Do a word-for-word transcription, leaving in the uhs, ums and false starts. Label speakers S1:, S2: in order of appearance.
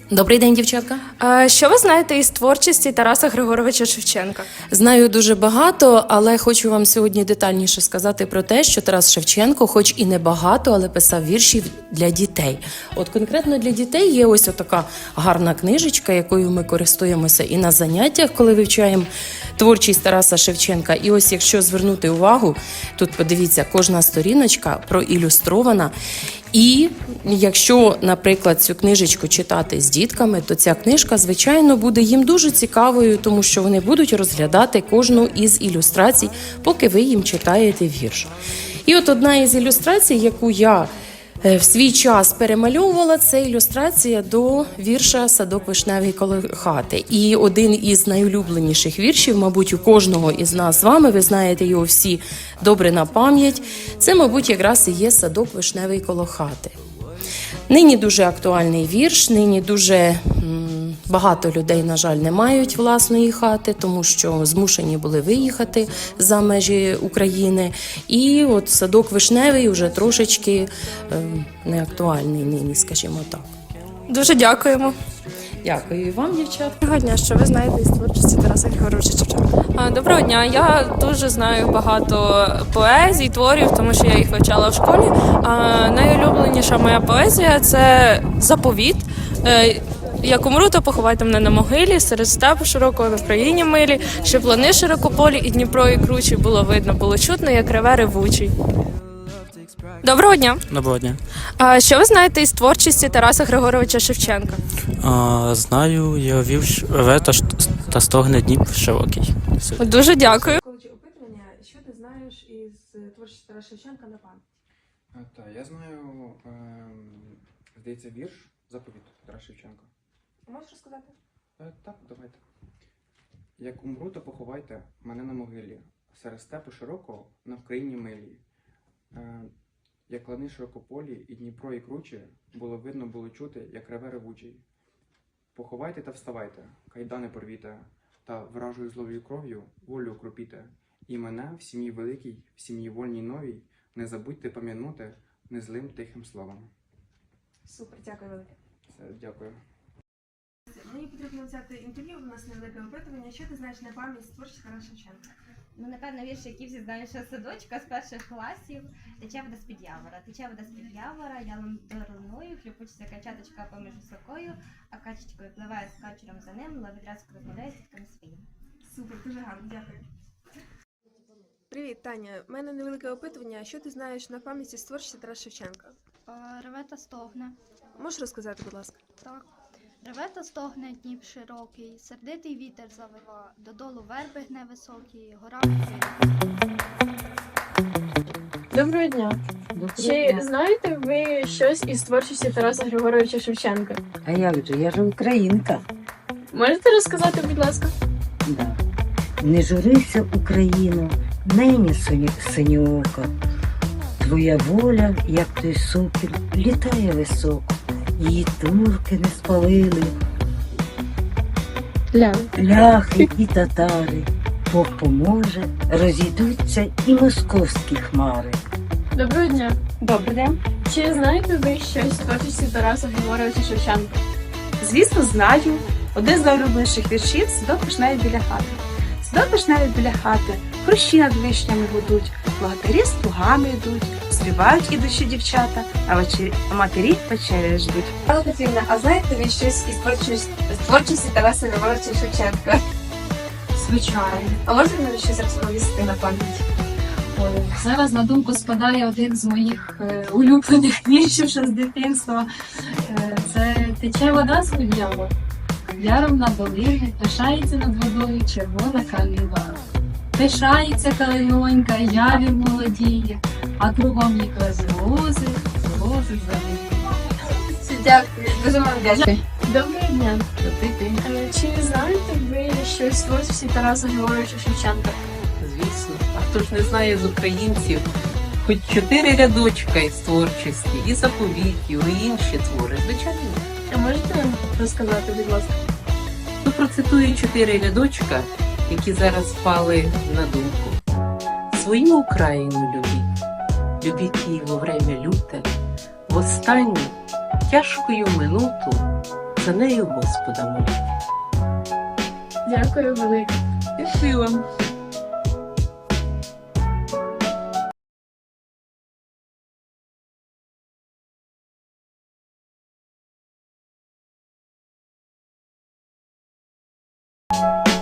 S1: Добрий день, дівчатка.
S2: А що ви знаєте із творчості Тараса Григоровича Шевченка?
S1: Знаю дуже багато, але хочу вам сьогодні детальніше сказати про те, що Тарас Шевченко, хоч і не багато, але писав вірші для дітей. От конкретно для дітей є ось така гарна книжечка, якою ми користуємося і на заняттях, коли вивчаємо творчість Тараса Шевченка. І ось якщо звернути увагу, тут подивіться, кожна сторіночка проілюстрована. І якщо, наприклад, цю книжечку читати з дітками, то ця книжка, звичайно, буде їм дуже цікавою, тому що вони будуть розглядати кожну із ілюстрацій, поки ви їм читаєте вірш. І от одна із ілюстрацій, яку я в свій час перемальовувала, це ілюстрація до вірша «Садок вишневий коло хати». І один із найулюбленіших віршів, мабуть, у кожного із нас з вами, ви знаєте його всі добре на пам'ять, це, мабуть, якраз і є «Садок вишневий коло хати». Нині дуже актуальний вірш, нині дуже м, багато людей, на жаль, не мають власної хати, тому що змушені були виїхати за межі України. І от «Садок вишневий» вже трошечки е, не актуальний нині, скажімо так.
S2: Дуже дякуємо.
S1: Дякую і вам, дівчат.
S2: Доброго дня, що ви знаєте із творчості Тараса Григоровича Шевченка? А, Доброго дня. Я дуже знаю багато поезій, творів, тому що я їх вивчала в школі. А, найулюбленіша моя поезія – це «Заповіт». Е, Як умру, то поховайте мене на могилі, серед степу широкого в країні милі, щоб лани широкополі і Дніпро і кручі було видно, було чутно, як реве ревучий. Доброго дня.
S3: Доброго дня.
S2: А, що ви знаєте із творчості Тараса Григоровича Шевченка?
S3: А, знаю, я вів реве та, та стогне Дніп широкий. Все.
S2: Дуже дякую.
S4: Опитування, що ти знаєш із творчості Тараса Шевченка на пам'ять?
S5: Так, я знаю, е, здається, вірш «Заповіт» Тараса Шевченка.
S4: Можеш розказати?
S5: Е, так, давайте. Як умру, то поховайте мене на могилі, серед степу широкого на Вкраїні милій. Е, як лани широкополі і Дніпро і кручі, було видно, було чути, як реве ревучий. Поховайте та вставайте, кайдани порвіте, та вражою злою кров'ю волю окропіте. І мене в сім'ї великій, в сім'ї вольній новій, не забудьте пам'янути незлим тихим словом.
S4: Супер, дякую велике.
S5: Все, дякую.
S4: Мені потрібно взяти інтерв'ю, у нас невелике опитування. Що ти знаєш на пам'ять з творчості Тараса Шевченка?
S6: Ну, напевно, вірш, які всі знають, що садочка з перших класів. Тече вода з-під явора, тече вода з-під явора, я луною, хлюпочеться качаточка поміж високою, а качечкою пливає з качером за ним, ловідразку розмовляє з дітками своїм.
S4: Супер, дуже гарно, дякую. Привіт, Таня. У мене невелике опитування. Що ти знаєш на пам'ять з творчості Тараса Шевченка?
S7: Реве та стогне.
S4: Можеш розказати, будь ласка?
S7: Так. Реве та стогне Дніп широкий, сердитий вітер завива, додолу верби гне високі, гора висить.
S8: Доброго дня.
S9: Доброго
S8: Чи
S9: дня.
S8: знаєте ви щось із творчості Тараса Григоровича Шевченка?
S9: А як же, я ж українка.
S8: Можете розказати, будь ласка?
S9: Да. Не журися, Україно, нині синьоока. Твоя воля, як той сокіл, літає високо. Її турки не спалили.
S8: Ля.
S9: Ляхи і татари. Бог поможе, розійдуться і московські хмари.
S8: Доброго дня.
S10: Добрий день.
S8: Чи знаєте ви щось з творчості Тараса Григоровича Шевченка?
S10: Звісно, знаю. Один з найулюбленіших віршів «Садок вишневий біля хати». Садок вишневий біля хати, хрущі над вишнями гудуть, благодарі з плугами йдуть, співають ідучі дівчата, а вечері, а матері вечері ждуть.
S11: Пане Петрівна, а знаєте ви щось із творчості, з творчості Тараса Григоровича Шевченка?
S10: Звичайно.
S11: А можете мені щось розповісти на пам'ять?
S12: Ой, зараз на думку спадає один з моїх е, улюблених віршів ще з дитинства. Е, це «Тече вода з-під явора, яром на долини, пишається над водою червона калина. Пишається калинонька, явір молодіє, а кругом їх рози, рози завиті».
S11: Дякую, дуже вам дякую.
S8: Доброго дня.
S3: Добрий день.
S8: Е, Чи знаєте ви щось з творчості Тараса Григоровича Шевченка?
S13: Звісно, а хто ж не знає з українців, хоч чотири рядочка із творчості, і заповітів, і інші твори, звичайно.
S8: А можете розказати, будь ласка?
S13: Ну, процитую чотири рядочка, які зараз впали на думку. Свою Україну любіть, любіть її во время люте, в останню тяжкою минуту за нею Господа молю.
S8: Дякую велике.
S10: Дякую вам.
S6: Дякую.